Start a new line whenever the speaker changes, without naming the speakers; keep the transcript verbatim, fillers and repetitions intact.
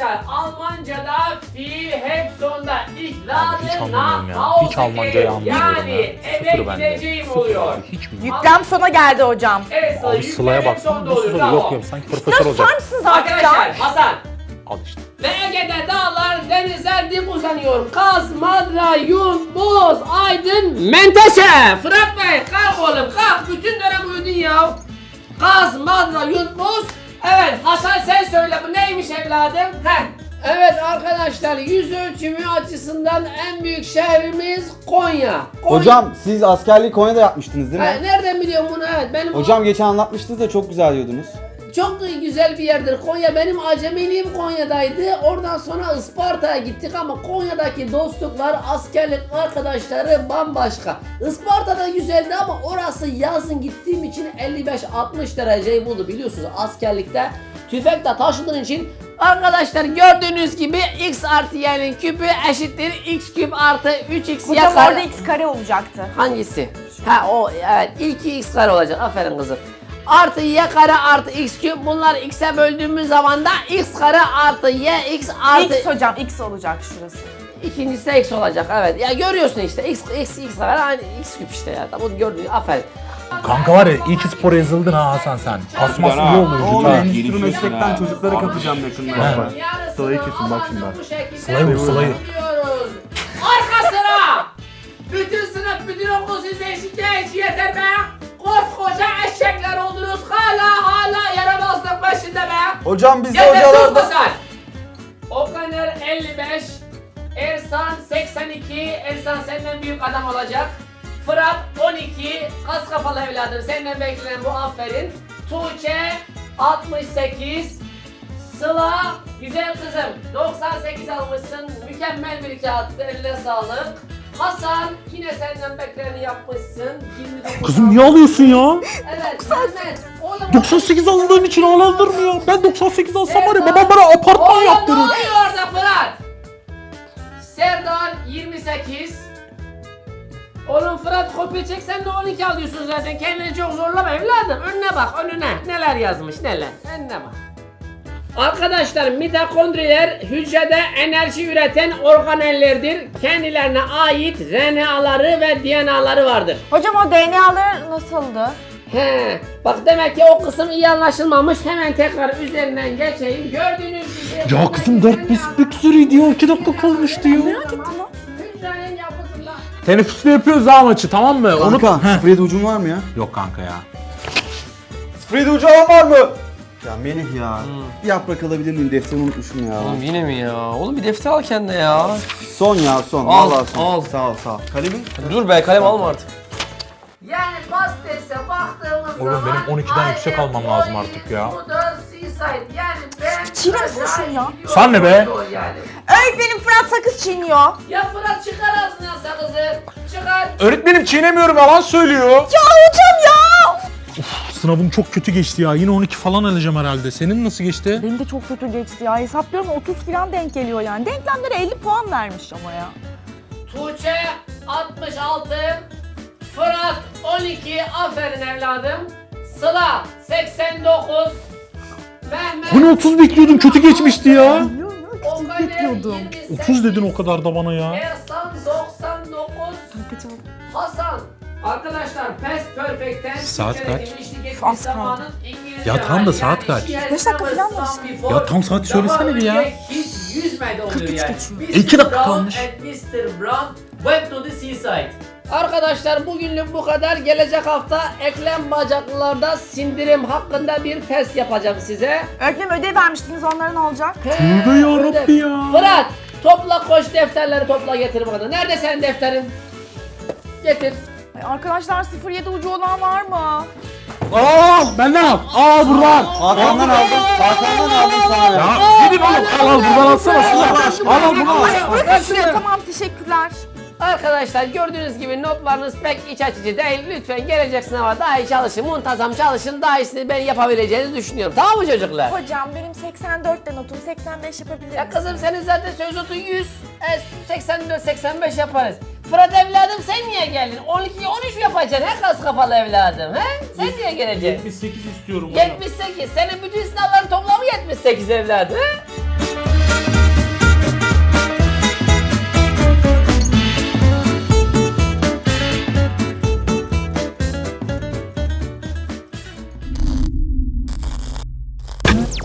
Arkadaşlar Almanca'da fiil hep sonda.
Hiç
İhlal'ın
anlamıyorum ya.
na
Hiç Almancayı anlamıyorum
yani
ya.
eve
Sıfır bende.
gideceğim
Sıfır
oluyor.
abi, hiç bilmiyorum.
Yüklem sona geldi hocam.
Evet Sıla,
Abi Sıla'ya
yüklerim
baksana
sonda
nasıl
oluyor.
oluyor?
Bravo.
Yok yok sanki profesör
Ya
olacak.
susar mısınız artık
Arkadaşlar
ya?
Hasan.
Al işte.
Ve Ege'de dağlar, denizler dik uzanıyor. Kaz, Madra, Yun, Boz, Aydın, Menteşe. Fırat Bey kalk oğlum kalk. Bütün dönem uyudun ya. Kaz, Madra, Yun, Boz. Evet Hasan sen söyle bu neymiş evladım? Heh. Evet arkadaşlar yüz ölçümü açısından en büyük şehrimiz Konya. Konya.
Hocam siz askerliği Konya'da yapmıştınız değil mi?
Ha, nereden biliyorsun bunu? Evet benim
Hocam geçen anlatmıştınız da çok güzel diyordunuz.
Çok güzel bir yerdir Konya. Benim acemiliğim Konya'daydı. Oradan sonra Isparta'ya gittik ama Konya'daki dostluklar, askerlik arkadaşları bambaşka. Isparta'da güzeldi ama orası yazın gittiğim için elli beş altmış dereceyi buldu biliyorsunuz askerlikte. Tüfekle taşıdığın için arkadaşlar gördüğünüz gibi x artı y'nin küpü eşittir x küp artı üç x
Hocam
kare.
orada x kare olacaktı.
Hangisi? Ha o evet ilki x kare olacak aferin kızım. Artı y kare artı x küp bunlar x'e böldüğümüz zaman da x kare artı y x artı
X hocam x olacak şurası.
ikincisi de x olacak evet. Ya görüyorsun işte x x x kare aynı x küp işte ya. Tamam gördün aferin.
Kanka var ya iyi ki spora yazıldın ha Hasan sen. Kasması iyi olur
Oğlum
vücuda.
endüstri meslekten çocukları kapacağım yakında.
Sıla'yı
kesin bak şimdi bak.
Sıla'yı vur, Sıla'yı.
Arka sıra! Bütün sınıf bütün okul size şikayetçi yeter be! Koskoca eşekler oldunuz hala hala yaramazlık başında be!
Hocam biz de
Yeter sus
hocalarda...
Hasan! Okaner elli beş, Ersan seksen iki, Ersan senden büyük adam olacak. Fırat on iki, kas kafalı evladım senden beklenen bu aferin. Tuğçe altmış sekiz, Sıla güzel kızım doksan sekiz almışsın mükemmel bir kağıttı eline sağlık. Hasan yine senden bekleneni yapmışsın. yirmi dokuz
Kızım niye alıyorsun ya?
Evet Mehmet. Oğlum,
doksan sekiz alındığın için ağlandırmıyor. Ben doksan sekiz alsam var ya
Serdar.
babam bana apartman
Oğlum ne
yaptırır.
oluyor orada Fırat? Serdar yirmi sekiz. Oğlum Fırat kopya çeksen de on iki alıyorsun zaten. Kendini çok zorlama evladım. Önüne bak önüne. Neler yazmış neler. Önüne bak. Arkadaşlar mitokondriler hücrede enerji üreten organellerdir. Kendilerine ait R N A'ları ve D N A'ları vardır.
Hocam o D N A'ları nasıldı?
He, bak demek ki o kısım iyi anlaşılmamış. Hemen tekrar üzerinden geçeyim. Gördüğünüz gibi...
Ya kızım dört bis büksürü diyor. iki dakika kalmıştı ya.
Merak ettim lan.
Hücrenin yapısında...
Teneffüste yapıyoruz ha maçı tamam mı?
Kanka
Heh.
sıfır yedi ucun var mı ya?
Yok kanka ya.
sıfır yedi ucu alan var mı? Ya Melih ya. Bir yaprak alabilir miyim? Defterimi unutmuşum ya.
Oğlum yine mi ya? Oğlum bir defter al kendine ya.
Son ya son.
Al,
Vallahi son.
al.
Sağ ol sağ ol. Kalemin?
Dur be kalem alma artık.
Yani pastese baktığımız
Oğlum,
zaman...
benim on ikiden yüksek almam lazım artık ya.
Bu da seaside yani ben...
Çiğner misin şunu ya?
Sen ne be?
Yani.
Öğretmenim Fırat sakız çiğniyor.
Ya Fırat çıkar ağzına sakızı. Çıkar.
Öğretmenim çiğnemiyorum yalan söylüyor.
Ya hocam ya!
Sınavım çok kötü geçti ya. Yine on iki falan alacağım herhalde. Senin nasıl geçti?
Benim de çok kötü geçti ya. Hesaplıyorum otuz falan denk geliyor yani. Denklemlere elli puan vermiş ama ya.
Tuğçe altmış altı. Fırat on iki. Aferin evladım. Sıla seksen dokuz. Mehmet...
Hani otuz bekliyordun kötü geçmişti ya.
Biliyorum ya küçük
Okaner
bekliyordum.
yirmi sekiz.
otuz dedin o kadar da bana ya.
Ersan doksan dokuz.
Kaçalım.
Hasan. Arkadaşlar past perfect'ten
Saat
Türkçe'de
kaç?
geçmişlik geçmiş
Az
zamanın
kaldı.
İngilizce
Ya tamam da
hali.
saat
Yani
kaç?
she has
Beş dakika
never
falan var
swum
işte.
before.
Ya tam saat söylesene bir ya.
Daha önce hiç yüzmedi oluyor
kırk üç
yani.
geçiyor.
mister
İki dakika
Brown
kalmış.
and mister Brown went to the seaside. Arkadaşlar bugünlük bu kadar. Gelecek hafta eklem bacaklılarda sindirim hakkında bir test yapacağım size.
Öğretmenim ödev vermiştiniz, onlara ne olacak?
Tövbe yarabbi ya.
Fırat topla koş defterleri topla getir bana. Nerede senin defterin? Getir.
Ay arkadaşlar sıfır yedi ucu olan var mı?
Aa benden al. Aa buradan.
Hakan'dan aldım. Hakan'dan aldım sana ya.
Ya gidin oğlum. Al al buradan alsana. Sıla. Al al bunu al.
Bırakın şuraya, tamam teşekkürler.
Arkadaşlar gördüğünüz gibi notlarınız pek iç açıcı değil. Lütfen gelecek sınava daha iyi çalışın, muntazam çalışın. Daha iyisini ben yapabileceğinizi düşünüyorum. Tamam mı çocuklar?
Hocam benim seksen dörtte notum, seksen beş yapabilir
Ya
misin?
kızım senin zaten söz notu yüz, e, seksen dört seksen beş yaparız. Fırat evladım sen niye geldin? on iki on üç mü yapacaksın he kas kafalı evladım he? Sen niye geleceksin?
yetmiş sekiz istiyorum.
yetmiş sekiz. Senin bütün sınavların toplamı yetmiş sekiz evladım he?